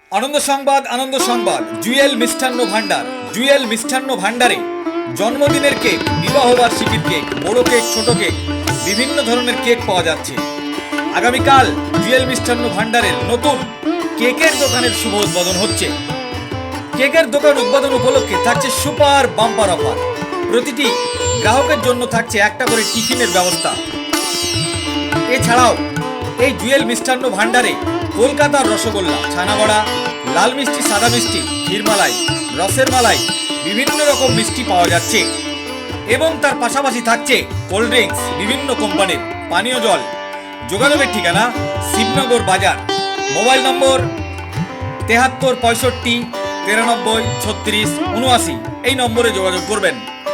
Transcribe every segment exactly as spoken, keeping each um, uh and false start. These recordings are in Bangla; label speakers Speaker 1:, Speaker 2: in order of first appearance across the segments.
Speaker 1: আনন্দ সংবাদ আনন্দ সংবাদ জুয়েল মিষ্টান্ন ভান্ডার জুয়েল মিষ্টান্ন ভান্ডারে জন্মদিনের কেক, বিবাহ বার্ষিকীর কেক, বড় কেক, ছোট কেক, বিভিন্ন ধরনের কেক পাওয়া যাচ্ছে। আগামীকাল জুয়েল মিষ্টান্ন ভান্ডারের নতুন কেকের দোকানের শুভ উদ্বোধন হচ্ছে। কেকের দোকান উদ্বোধন উপলক্ষে থাকছে সুপার বাম্পার অফার। প্রতিটি গ্রাহকের জন্য থাকছে একটা করে টিফিনের ব্যবস্থা। এছাড়াও এই জুয়েল মিষ্টান্ন ভান্ডারে কলকাতার রসগোল্লা, ছানাবড়া, লাল মিষ্টি, সাদা মিষ্টি, ক্ষীরমালাই, রসের মালাই, বিভিন্ন রকম মিষ্টি পাওয়া যাচ্ছে এবং তার পাশাপাশি থাকছে কোল্ড ড্রিঙ্কস, বিভিন্ন কোম্পানির পানীয় জল। যোগাযোগের ঠিকানা শিবনগর বাজার। মোবাইল নম্বর তেহাত্তর পঁয়ষট্টি তিরানব্বই ছত্রিশ উনআশি। এই নম্বরে যোগাযোগ করবেন।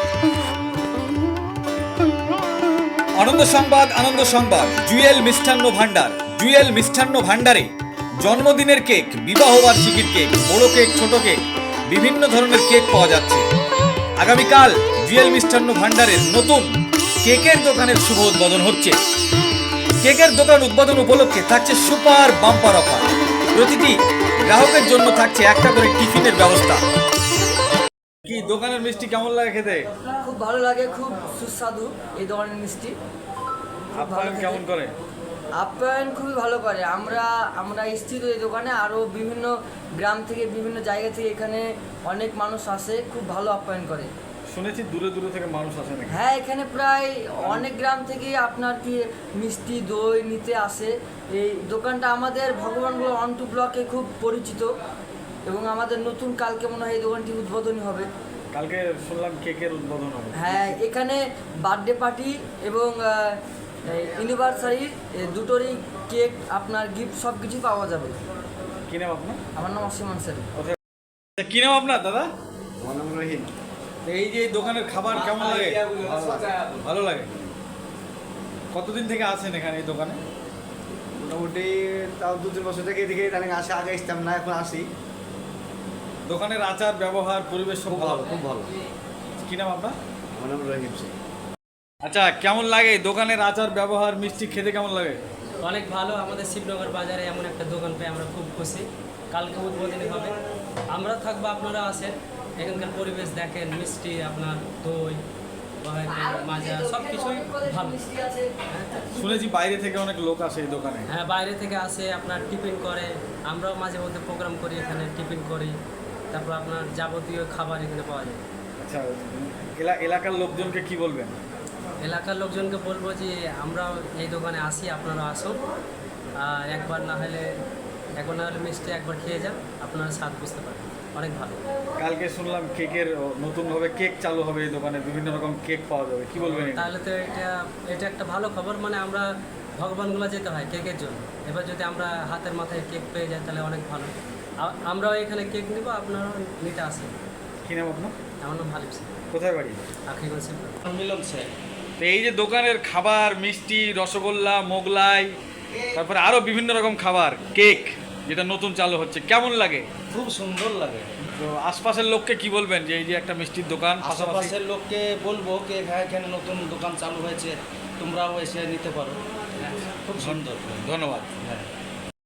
Speaker 1: আনন্দ সংবাদ আনন্দ সংবাদ জুয়েল মিষ্টান্ন ভান্ডার জুয়েল মিষ্টান্ন ভান্ডারে জন্মদিনের কেক, বিবাহ বার্ষিকীর কেক, বড় কেক, ছোট কেক, বিভিন্ন ধরনের কেক পাওয়া যাচ্ছে। আগামীকাল জুয়েল মিষ্টান্ন ভান্ডারের নতুন কেকের দোকানের শুভ উদ্বোধন হচ্ছে। কেকের দোকান উদ্বোধন উপলক্ষে থাকছে সুপার বাম্পার অফার। প্রতিটি গ্রাহকের জন্য থাকছে একটা করে টিফিনের ব্যবস্থা। কি দোকানের মিষ্টি কেমন লাগে খেতে?
Speaker 2: খুব ভালো লাগে, খুব সুস্বাদু এই দোকানের মিষ্টি।
Speaker 1: আপনার কেমন করে?
Speaker 2: আপ্যায়ন খুবই ভালো করে। আমরা আমরা স্থিত এই দোকানে, আরও বিভিন্ন গ্রাম থেকে, বিভিন্ন জায়গা থেকে এখানে অনেক মানুষ আসে, খুব ভালো আপ্যায়ন করে।
Speaker 1: শুনেছি দূরে দূরে থেকে মানুষ আসে নাকি?
Speaker 2: হ্যাঁ, এখানে প্রায় অনেক গ্রাম থেকে আপনার কি মিষ্টি, দই নিতে আসে। এই দোকানটা আমাদের ভগবানগুলো অন টু ব্লকে খুব পরিচিত এবং আমাদের নতুন কালকে মনে হয় এই দোকানটি উদ্বোধনী হবে।
Speaker 1: কালকে শুনলাম কেকের উদ্বোধন হবে।
Speaker 2: হ্যাঁ, এখানে বার্থডে পার্টি এবং ইউনিভার্সারি দুটোরই কেক, আপনার গিফট সব কিছুই পাওয়া যাবে।
Speaker 1: কি নাম আপনার?
Speaker 2: আমার নাম অসীম আনসারি।
Speaker 1: কি নাম আপনার দাদা?
Speaker 3: আমার নাম রহিম।
Speaker 1: এই যে এই দোকানের খাবার কেমন লাগে? ভালো লাগে। কতদিন থেকে আছেন এখানে এই দোকানে?
Speaker 3: মোটামুটি তাও দু তিন বছর থেকে এদিকে তাহলে আসে, আগে আসতাম না, এখন আসি।
Speaker 1: দোকানের আচার, ব্যবহার, পরিবেশ সব
Speaker 3: খুব
Speaker 1: ভালো?
Speaker 3: ভালো, খুব ভালো।
Speaker 1: কি নাম আপনার?
Speaker 3: আমার নাম রহিম সিং।
Speaker 1: আচ্ছা, কেমন লাগে দোকানের আচার, ব্যবহার, মিষ্টি খেতে কেমন লাগে?
Speaker 4: অনেক ভালো। আমাদের শিবনগর বাজারে এমন একটা দোকান পেয়ে আমরা খুব খুশি। কালকে উদ্বোধনী হবে, আমরা থাকবো, আপনারা আসেন। এখানকার পরিবেশ দেখেন, মিষ্টি, আপনার দই, মাজা, সব কিছুই ভালো।
Speaker 1: শুনেছি বাইরে থেকে অনেক লোক আসে এই দোকানে।
Speaker 4: হ্যাঁ, বাইরে থেকে আসে, আপনার টিফিন করে। আমরাও মাঝে মধ্যে প্রোগ্রাম করি, এখানে টিফিন করি। তারপর আপনার যাবতীয় খাবার এখানে পাওয়া যায়।
Speaker 1: আচ্ছা, এলা- এলাকার লোকজনকে কি বলবেন?
Speaker 4: এলাকার লোকজনকে বলবো যে আমরাও এই দোকানে আসি, আপনারা আসুন। আর একবার না হলে একবার না হলে মিষ্টি একবার খেয়ে যান, আপনারা স্বাদ বুঝতে পারবেন, অনেক ভালো।
Speaker 1: কালকে শুনলাম কেকের নতুনভাবে কেক চালু হবে এই দোকানে, বিভিন্ন রকম কেক পাওয়া যাবে, কি বলবেন? এটা?
Speaker 4: তাহলে তো এটা এটা একটা ভালো খবর। মানে আমরা ভগবানগুলো যেতে হয় কেকের জন্য, এবার যদি আমরা হাতের মাথায় কেক পেয়ে যাই তাহলে অনেক ভালো। আ- আমরাও এখানে কেক নিব, আপনারাও নিতে আসেন।
Speaker 1: কি নাম আপনার?
Speaker 4: আমার নাম ভালিপ সিং,
Speaker 1: কোথায় বাড়ি?
Speaker 4: আখরিগঞ্জ শিবনগর।
Speaker 5: মিলন স্যার,
Speaker 1: তো এই যে দোকানের খাবার, মিষ্টি, রসগোল্লা, মোগলাই, তারপরে আরো বিভিন্ন রকম খাবার, কেক যেটা নতুন চালু হচ্ছে, কেমন লাগে?
Speaker 5: খুব সুন্দর লাগে।
Speaker 1: তো আশপাশের লোককে কি বলবেন যে এই যে একটা মিষ্টির দোকান, পাশাপাশি
Speaker 5: আশেপাশের লোককে বলবো যে এখানে এখানে নতুন দোকান চালু হয়েছে, তোমরাও এসে নিতে পারো। খুব সুন্দর।
Speaker 1: ধন্যবাদ।